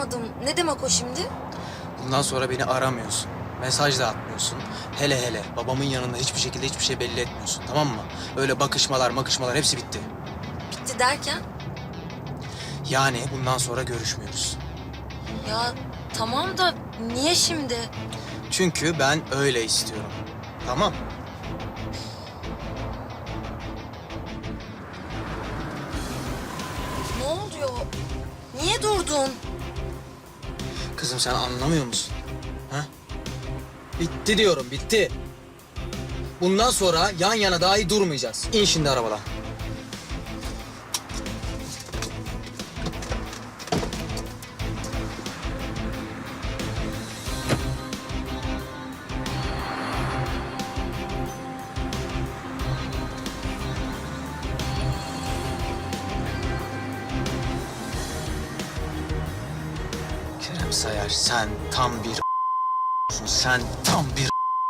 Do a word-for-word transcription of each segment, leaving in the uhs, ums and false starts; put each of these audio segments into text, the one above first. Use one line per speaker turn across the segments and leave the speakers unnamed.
anlamadım. Ne demek o şimdi?
Bundan sonra beni aramıyorsun. Mesaj da atmıyorsun. Hele hele babamın yanında hiçbir şekilde hiçbir şey belli etmiyorsun. Tamam mı? Öyle bakışmalar makışmalar hepsi bitti.
Bitti derken?
Yani bundan sonra görüşmüyoruz.
Ya tamam da niye şimdi?
Çünkü ben öyle istiyorum. Tamam.
Ne oluyor? Niye durdun?
Kızım sen anlamıyor musun? Ha? Bitti diyorum, bitti. Bundan sonra yan yana dahi durmayacağız. İn şimdi arabadan. Kerem Sayar, sen tam bir sen tam bir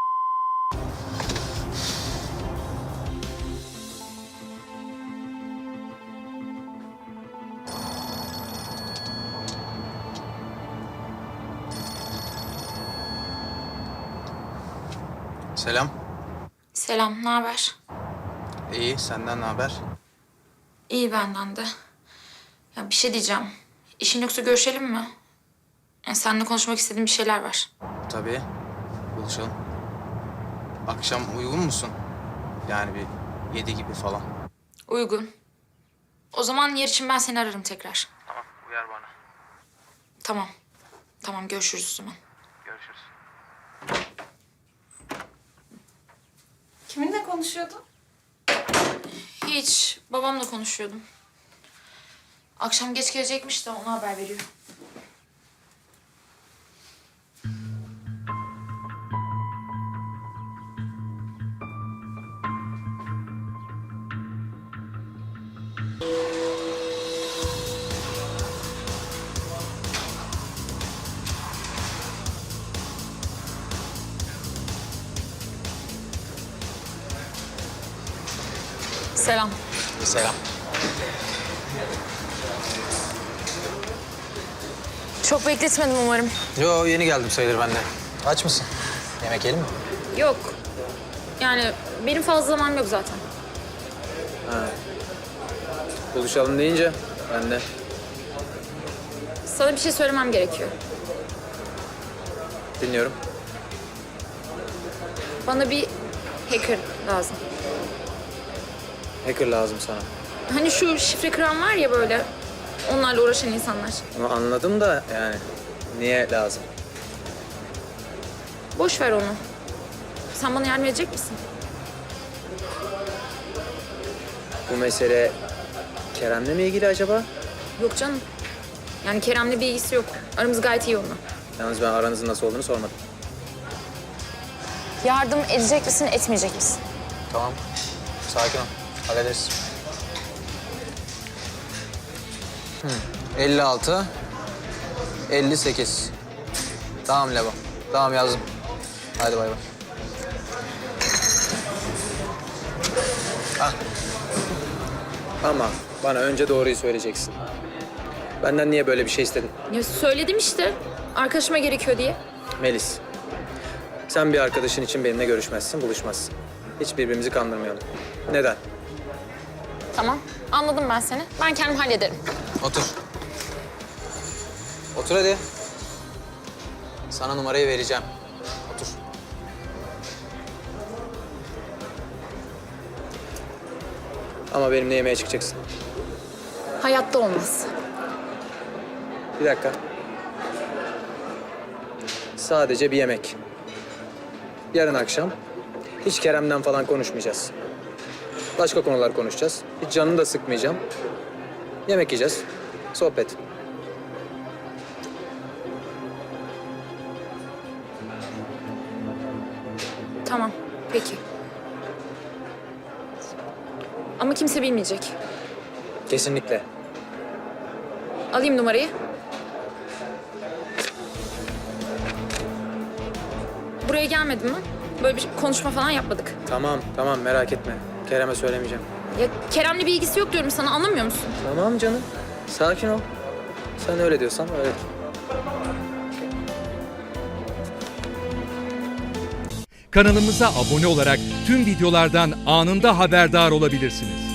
Selam.
Selam, ne haber?
İyi, senden ne haber?
İyi benden de. Ya bir şey diyeceğim. İşin yoksa görüşelim mi? Yani seninle konuşmak istediğim bir şeyler var.
Tabii. Buluşalım. Akşam uygun musun? Yani bir yedi gibi falan.
Uygun. O zaman yer için ben seni ararım tekrar.
Tamam, uyar bana.
Tamam. Tamam, görüşürüz o zaman.
Görüşürüz.
Kiminle konuşuyordun?
Hiç. Babamla konuşuyordum. Akşam geç gelecekmiş de ona haber veriyor. Selam.
Selam.
Çok bekletmedim umarım.
Yo, yeni geldim sayılır ben de. Aç mısın? Yemek yiyelim mi?
Yok. Yani benim fazla zamanım yok zaten.
Buluşalım deyince ben de.
Sana bir şey söylemem gerekiyor.
Dinliyorum.
Bana bir hacker lazım.
Hacker lazım sana.
Hani şu şifre kıran var ya böyle. Onlarla uğraşan insanlar.
Onu anladım da yani niye lazım?
Boş ver onu. Sen bana yardım edecek misin?
Bu mesele Kerem'le mi ilgili acaba?
Yok canım. Yani Kerem'le bir ilgisi yok. Aramız gayet iyi onunla.
Yalnız ben aranızın nasıl olduğunu sormadım.
Yardım edecek misin, etmeyecek misin?
Tamam. Sakin ol. Hallederiz. Hı. elli altı, elli sekiz. Tamam Lebo. Tamam yazdım. Hadi bay bay. Ah. Ama bana önce doğruyu söyleyeceksin. Benden niye böyle bir şey istedin?
Ya söyledim işte. Arkadaşıma gerekiyor diye.
Melis, sen bir arkadaşın için benimle görüşmezsin, buluşmazsın. Hiç birbirimizi kandırmayalım. Neden?
Tamam. Anladım ben seni. Ben kendim hallederim.
Otur. Otur hadi. Sana numarayı vereceğim. Otur. Ama benimle yemeğe çıkacaksın.
Hayatta olmaz.
Bir dakika. Sadece bir yemek. Yarın akşam hiç Kerem'den falan konuşmayacağız. Başka konular konuşacağız. Hiç canını da sıkmayacağım. Yemek yiyeceğiz. Sohbet.
Tamam. Peki. Ama kimse bilmeyecek.
Kesinlikle.
Alayım numarayı. Buraya gelmedin mi? Böyle bir konuşma falan yapmadık.
Tamam, tamam merak etme. Kerem'e söylemeyeceğim.
Ya Kerem'le bir ilgisi yok diyorum sana, anlamıyor musun?
Tamam canım. Sakin ol. Sen öyle diyorsan öyle.
Kanalımıza abone olarak tüm videolardan anında haberdar olabilirsiniz.